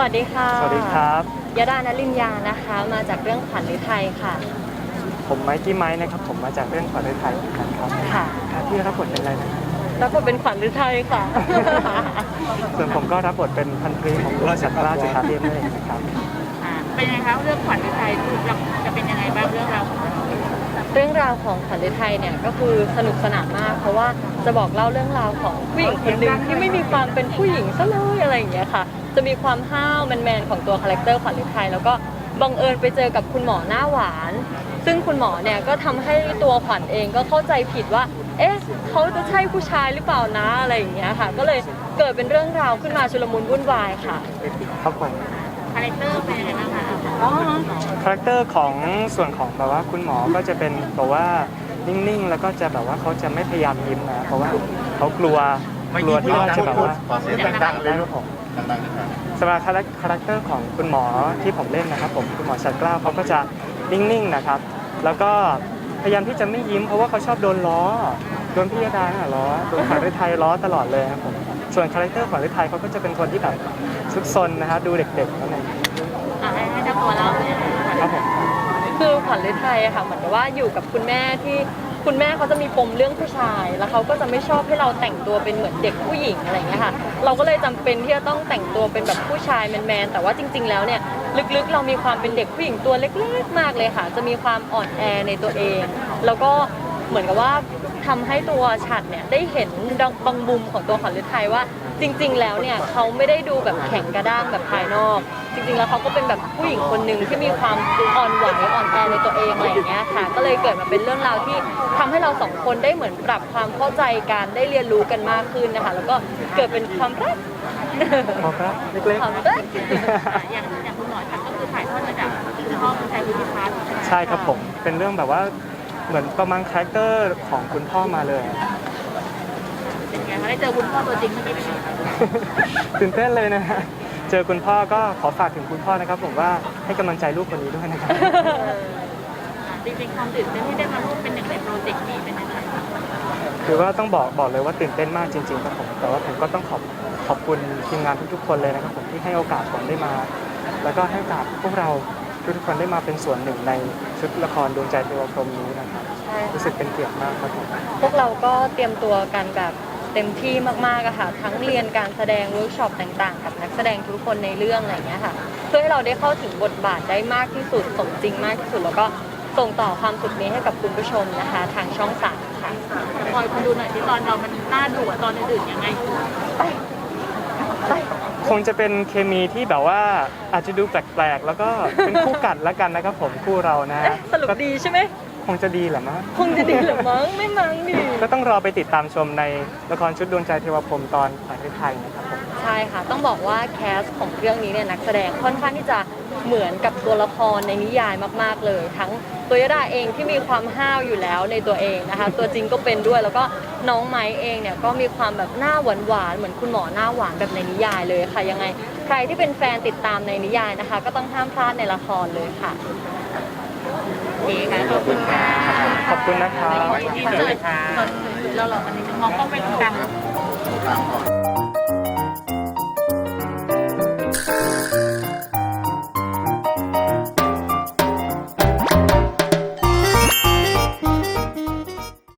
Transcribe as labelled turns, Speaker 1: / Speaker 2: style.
Speaker 1: วัสดีค่ะ
Speaker 2: สวัสดีครับ
Speaker 1: ยดานลินยานะคะมาจากเรื่องขวัญฤทัยค่ะ
Speaker 2: ผมไมค์กี้ไม้นะครับผมมาจากเรื่องขวัญฤทัยเหมือนกันครับ
Speaker 1: ค่ะ
Speaker 2: ที่รับบทเป็นอะไรนะครับ
Speaker 1: รับบทเป็นขวัญฤทัยค่ะ
Speaker 2: ส่วนผมก็รับบทเป็นพันตรีของราชกราชจุฬาเทพนั่นเองนะครับ
Speaker 3: เป็นยังไงคะเรื่องขวัญฤทัยจะเป็นยังไงบ้างเรื่องราวของเรา
Speaker 1: เรื่องราวของขวัญฤทัยเนี่ยก็คือสนุกสนานมากเพราะว่าจะบอกเล่าเรื่องราวของผู้หญิงคนหนึ่งที่ไม่มีความเป็นผู้หญิงซะเลยอะไรอย่างเงี้ยค่ะจะมีความห้าวแมนๆของตัวคาแรคเตอร์ขวัญฤทัยแล้วก็บังเอิญไปเจอกับคุณหมอหน้าหวานซึ่งคุณหมอเนี่ยก็ทำให้ตัวขวัญเองก็เข้าใจผิดว่าเอ๊ะเขาจะใช่ผู้ชายหรือเปล่านะอะไรอย่างเงี้ยค่ะก็เลยเกิดเป็นเรื่องราวขึ้นมาชุลมุนวุ่นวายค่ะ
Speaker 2: ครับผม
Speaker 3: คาแรคเตอร์เป็นยังไงบ้างคะ
Speaker 2: คาแรคเตอร์ของส่วนของแบบว่าคุณหมอก็จะเป็นแบบว่านิ่งๆแล้วก็จะแบบว่าเขาจะไม่พยายามยิ้มนะเพราะว่าเขากลัวที่ว่าจะแบบว่า
Speaker 4: เสียงดังๆเลยครับผมดังๆนะครับ
Speaker 2: สำหรับคาแรคเตอร์ของคุณหมอที่ผมเล่นนะครับผมคุณหมอชัดเกล้าเขาก็จะนิ่งๆนะครับแล้วก็พยายามที่จะไม่ยิ้มเพราะว่าเขาชอบโดนล้อโดนพี่ยดาล้อโดนขวัญฤทัยล้อตลอดเลยครับผมส่วนคาแรคเตอร์ขวัญฤทัยเขาก็จะเป็นคนที่แบบซุกซนนะครับดูเด็กๆนั่นเอง
Speaker 3: ให้เจ้าตัวเล่าเลย
Speaker 2: ครับผม
Speaker 1: คือขวัญฤทัยอะค่ะเหมือนกับว่าอยู่กับคุณแม่ที่คุณแม่เขาจะมีปมเรื่องผู้ชายแล้วเขาก็จะไม่ชอบให้เราแต่งตัวเป็นเหมือนเด็กผู้หญิงอะไรอย่างเงี้ยค่ะเราก็เลยจำเป็นที่จะต้องแต่งตัวเป็นแบบผู้ชายแมนๆแต่ว่าจริงๆแล้วเนี่ยลึกๆเรามีความเป็นเด็กผู้หญิงตัวเล็กๆมากเลยค่ะจะมีความอ่อนแอในตัวเองแล้วก็เหมือนกับว่าทำให้ตัวฉัตรเนี่ยได้เห็นบางมุมของตัวขวัญฤทัยว่าจริงๆแล้วเนี่ยเขาไม่ได้ดูแบบแข็งกระด้างแบบภายนอกจริงๆแล้วเขาก็เป็นแบบผู้หญิงคนหนึ่งที่มีความอ่อนไหวอ่อนแอในตัวเองอะไรอย่างเงี้ยค่ะก็เลยเกิดมาเป็นเรื่องราวที่ทำให้เราสองคนได้เหมือนปรับความเข้าใจกันได้เรียนรู้กันมากขึ้นนะคะแล้วก็เกิดเป็นความรัก
Speaker 2: เล็กๆ
Speaker 1: ความรัก
Speaker 3: อย่างคุณหมอชัดก็คือถ่ายทอดมาจากคุณพ่อคุณชายคุณพิพัฒน์
Speaker 2: ใช่ครับผมเป็นเรื่องแบบว่าเหมือนประมาณคาแรคเตอร์ของคุณพ่อมาเลย
Speaker 3: เป็นไงคะได้เจอคุณพ่อตัวจริงเมื่อกี้เป็นไง
Speaker 2: ตื่นเต้นเลยนะฮะเจอคุณพ่อก็ขอฝากถึงคุณพ่อนะครับผมว่าให้กำลังใจลูกคนนี้ด้วยนะครับ
Speaker 3: จริงๆความตื่นเต้นที่ได้มาร่วมเป็นหนึ่งในโปรเจกต์นี้เป็นยังไงคะ
Speaker 2: คือว่าต้องบอกเลยว่าตื่นเต้นมากจริงๆครับผมแต่ว่าผมก็ต้องขอบคุณทีมงานทุกๆคนเลยนะครับผมที่ให้โอกาสผมได้มาแล้วก็ให้โอกาสพวกเราทุกคนได้มาเป็นส่วนหนึ่งในชุดละครดวงใจเทวพรหมนี้นะครับรู้สึกเป็นเกียรติมากครับผม
Speaker 1: พวกเราก็เตรียมตัวกันแบบเต็มที่มากๆอะค่ะทั้งเรียนการแสดงเวิร์กช็อปต่างๆกับนักแสดงทุกคนในเรื่องอะไรอย่างเงี้ยค่ะเพื่อให้เราได้เข้าถึงบทบาทได้มากที่สุดสมจริงมากที่สุดแล้วก็ส่งต่อความสุขนี้ให้กับคุณผู้ชมนะคะทางช่อง3ค่ะ
Speaker 3: คอยคนดูหน่อยที่ตอนเรามันน่าดูตอนอื่นๆยังไง
Speaker 2: คงจะเป็นเคมีที่แบบว่าอาจจะดูแปลกๆแล้วก็เป็นคู่กัดแล้วกันนะครับผมคู่เรานะ
Speaker 1: สรุปดีใช่ไหม
Speaker 2: คงจะดีแหละมั้ง
Speaker 1: คงจะดีหรือมั้งไม่มั้งดิ
Speaker 2: ก็ต้องรอไปติดตามชมในละครชุดดวงใจเทวพรหมตอนขวัญฤทัยนะครับผม
Speaker 1: ใช่ค่ะต้องบอกว่าแคสของเรื่องนี้เนี่ยนักแสดงค่อนข้างที่จะเหมือนกับตัวละครในนิยายมากๆเลยทั้งตัวยดาเองที่มีความห้าวอยู่แล้วในตัวเองนะคะตัวจริงก็เป็นด้วยแล้วก็น้องไม้เองเนี่ยก็มีความแบบหน้าหวานๆเหมือนคุณหมอหน้าหวานแบบในนิยายเลยค่ะยังไงใครที่เป็นแฟนติดตามในนิยายนะคะก็ต้องห้ามพลาดในละครเลยค่ะ
Speaker 3: โอเคค่ะขอบคุณค่ะ
Speaker 2: ขอบคุณนะครับ
Speaker 3: ที่เจอเราหลอกกันนิดนึงมองกล้องไปตรงกลาง